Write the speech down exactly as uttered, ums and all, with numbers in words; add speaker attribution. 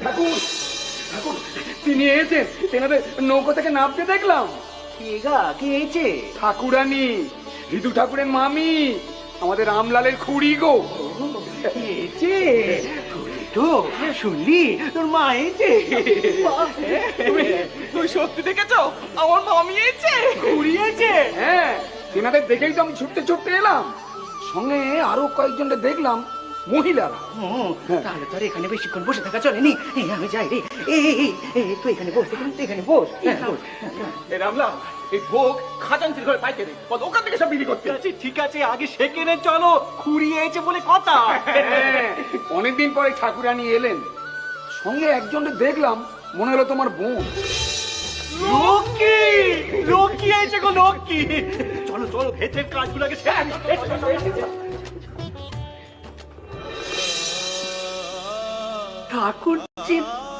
Speaker 1: ঠাকুর ঠাকুর তিনি এসেছেন, তেনাদের নৌকো থেকে নামতে দেখলাম।
Speaker 2: কে গা, কে এসেছে?
Speaker 1: ঠাকুরানি, ঋতু ঠাকুরের মামি, আমাদের রামলালের খুড়ি গো।
Speaker 2: এসেছে তো শুনলি তোর মা এসেছে?
Speaker 3: তুই সত্যি দেখেছো আমার মামি এসেছে?
Speaker 2: ঘুরিয়েছে?
Speaker 1: হ্যাঁ, তেনাদের দেখেই তো আমি ছুটতে ছুটতে এলাম। সঙ্গে আরো কয়েকজনকে দেখলাম, মহিলারা।
Speaker 2: তাহলে তোর এখানে বেশিক্ষণ বসে থাকা চলেনি, এই আমি যাই রে। এই এই এই তুই এখানে বস, তুই এখানে বস। হ্যাঁ, বস।
Speaker 3: এ রামলাল, এই ভোগ খাজাঞ্চির ঘরে পাইতে দে, বল ওখান থেকে সব বিলি করতে।
Speaker 2: আচ্ছা, ঠিক আছে, আগে সেখানে চলো, খুঁড়িয়েছে বলে কথা।
Speaker 1: হ্যাঁ, অনেকদিন পরে ঠাকুরানি এলেন। সঙ্গে একজনকে দেখলাম, মনে হলো তোমার বোন।
Speaker 2: লক্ষ্মী, লক্ষ্মী এসে গো, লক্ষ্মী। চলো চলো, ভেতরের কাজগুলোকে সেরে নি। ঠাকুরজি